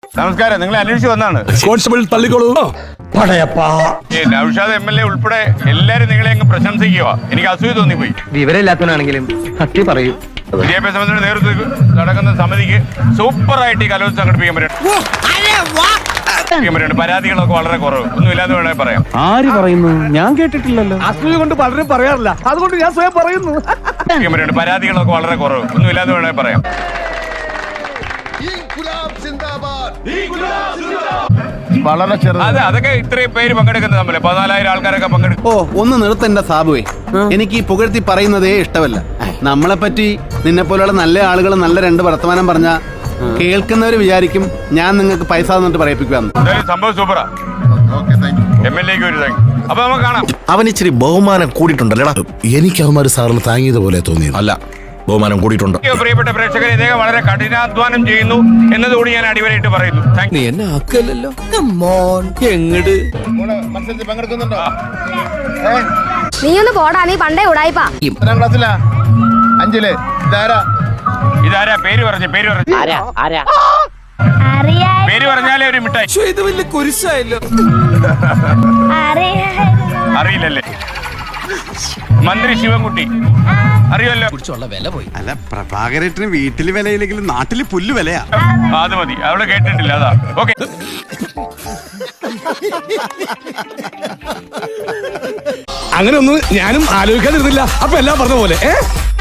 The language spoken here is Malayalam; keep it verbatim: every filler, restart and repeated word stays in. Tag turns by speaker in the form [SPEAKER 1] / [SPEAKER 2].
[SPEAKER 1] നമസ്കാരം, നിങ്ങളെ അന്വേഷിച്ച് വന്നാണ്.
[SPEAKER 2] കോൺസ്റ്റബിൾ തള്ളിക്കോളൂ.
[SPEAKER 1] നൗഷാദ് എം എൽ എ ഉൾപ്പെടെ എല്ലാരും നിങ്ങളെ അങ്ങ് പ്രശംസിക്കുക. എനിക്ക് അസൂയ തോന്നിപ്പോയി.
[SPEAKER 3] വിവരമില്ലാത്തവനാണെങ്കിലും സത്യം പറയൂ.
[SPEAKER 1] വിദ്യാഭ്യാസ മന്ത്രിയുടെ നേതൃത്വത്തിൽ നടക്കുന്ന സമിതിക്ക് സൂപ്പറായിട്ട് ഈ കലോത്സവം സംഘടിപ്പിക്കാൻ പറ്റും. പരാതികളൊക്കെ വളരെ കുറവ്, ഒന്നുമില്ലാന്ന് വേണമെങ്കിൽ പറയാം.
[SPEAKER 3] ആര് പറയുന്നു? ഞാൻ കേട്ടിട്ടില്ലല്ലോ.
[SPEAKER 2] അസൂയ കൊണ്ട് പലരും പറയാറില്ല, അതുകൊണ്ട് ഞാൻ സ്വയം പറയുന്നു.
[SPEAKER 1] പരാതികളൊക്കെ വളരെ കുറവ്, ഒന്നുമില്ലാന്ന് വേണമെങ്കിൽ പറയാം.
[SPEAKER 4] വളരെ
[SPEAKER 1] അതെ, അതൊക്കെ ഇത്രയും പേര് പങ്കെടുക്കുന്നത് തമ്മിൽ പതിനാലായിരം ആൾക്കാരൊക്കെ പങ്കെടുക്കും.
[SPEAKER 5] ഓ ഒന്ന് നിർത്തണ്ട സാബുവേ, എനിക്ക് ഈ പുകഴ്ത്തി പറയുന്നതേ ഇഷ്ടമല്ല. നമ്മളെ പറ്റി നിന്നെ പോലെയുള്ള നല്ല ആളുകൾ നല്ല രണ്ട് വർത്തമാനം പറഞ്ഞ കേൾക്കുന്നവര് വിചാരിക്കും ഞാൻ നിങ്ങൾക്ക് പൈസ തന്നിട്ട് പറയിപ്പിക്കുകയാണ്.
[SPEAKER 1] സംഭവം സൂപ്പറാ. എം എൽ എക്ക് ഒരു താങ്ക്. അപ്പൊ നമുക്ക് കാണാം.
[SPEAKER 6] അവൻ ഇച്ചിരി ബഹുമാനം കൂടിയിട്ടുണ്ടല്ലേടാ.
[SPEAKER 4] എനിക്ക് അവന്മാര് സാറിന് താങ്ങിയതുപോലെ തോന്നിയത്
[SPEAKER 6] അല്ല, ബഹുമാനം കൂടിയിട്ടുണ്ട്.
[SPEAKER 1] പ്രിയപ്പെട്ട പ്രേക്ഷകർ, ഇദ്ദേഹം വളരെ കഠിനാധ്വാനം ചെയ്യുന്നു എന്നതുകൂടി ഞാൻ അടിവരയിട്ട് പറയുന്നു.
[SPEAKER 2] നീ എന്നെ ആക്കല്ലോ. എങ്ങട്
[SPEAKER 4] മത്സരത്തിൽ പങ്കെടുക്കുന്നുണ്ടോ?
[SPEAKER 7] നീ ഒന്ന് പോടാ, നീ പണ്ടേ ഉടായിപ്പാ.
[SPEAKER 4] എത്രാം ക്ലാസ്സിലാ? അഞ്ചില്. ഇതാരാ?
[SPEAKER 1] ഇതാരാ? പേര് പറഞ്ഞു, പേര് പറഞ്ഞു. പേര് പറഞ്ഞാലേ ഒരു മിഠായി.
[SPEAKER 2] ഇത് വലിയ കുരിശായല്ലോ.
[SPEAKER 1] അറിയില്ലല്ലേ? മന്ത്രി ശിവൻകുട്ടി അറിയുമല്ലോ.
[SPEAKER 5] അല്ല, പ്രഭാകരേട്ടന് വീട്ടില് വിലയില്ലെങ്കിലും നാട്ടില് പുല്ല് വിലയാ.
[SPEAKER 1] അത് മതി, അവള് കേട്ടിട്ടില്ല. അതാ ഓക്കെ.
[SPEAKER 2] അങ്ങനെ ഒന്നും ഞാനും ആലോചിക്കാതിരുന്നില്ല. അപ്പൊ എല്ലാം പറഞ്ഞ പോലെ.